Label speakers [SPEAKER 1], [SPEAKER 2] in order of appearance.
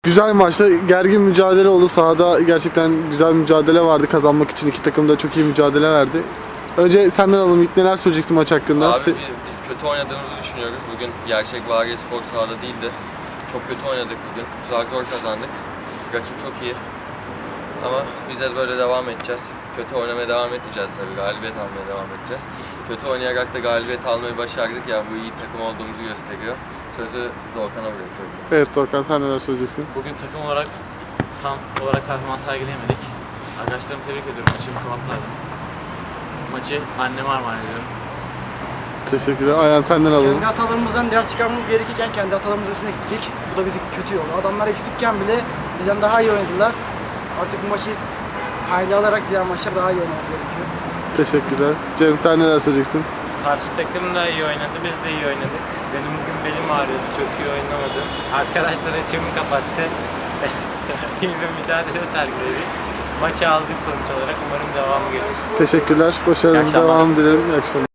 [SPEAKER 1] Güzel maçta gergin mücadele oldu. Sahada gerçekten güzel bir mücadele vardı. Kazanmak için iki takım da çok iyi mücadele verdi. Önce senden alalım. İlk neler söyleyeceksin maç hakkında?
[SPEAKER 2] Abi biz kötü oynadığımızı düşünüyoruz. Bugün gerçek Variye Spor sahada değildi. Çok kötü oynadık bugün. Zor kazandık. Rakip çok iyi. Ama biz de böyle devam edeceğiz. Kötü oynamaya devam etmeyeceğiz tabii. Galibiyet almaya devam edeceğiz. Kötü oynayarak da galibiyet almayı başardık. Yani bu iyi takım olduğumuzu gösteriyor. Sözü Doğukan'a bırakıyorum.
[SPEAKER 1] Evet Doğukan, sen neler söyleyeceksin?
[SPEAKER 3] Bugün takım olarak tam olarak performans sergileyemedik. Arkadaşlarımı tebrik ediyorum. Maçı mükemmellerdi. Maçı anneme armağan ediyorum.
[SPEAKER 1] Teşekkürler. Ayhan, senden alalım.
[SPEAKER 4] Kendi hatalarımızdan ders çıkarmamız gerekirken kendi hatalarımızın üstüne gittik. Bu da bizi kötü yoldu. Adamlar eksikken bile bizden daha iyi oynadılar. Artık bu maçı kayda alarak diğer maçlar daha iyi oynamamız gerekiyor.
[SPEAKER 1] Teşekkürler. Cem, sen neler söyleyeceksin?
[SPEAKER 5] Karşı takım da iyi oynadı, biz de iyi oynadık. Benim bugün belim ağrıyordu, çok iyi oynamadım. Arkadaşlar açımı kapattı. İyi bir mücadele sergiledik. Maçı aldık sonuç olarak, umarım devamı gelir.
[SPEAKER 1] Teşekkürler. Başarınızın
[SPEAKER 5] akşamlar.
[SPEAKER 1] devamını dilerim. İyi akşamlar.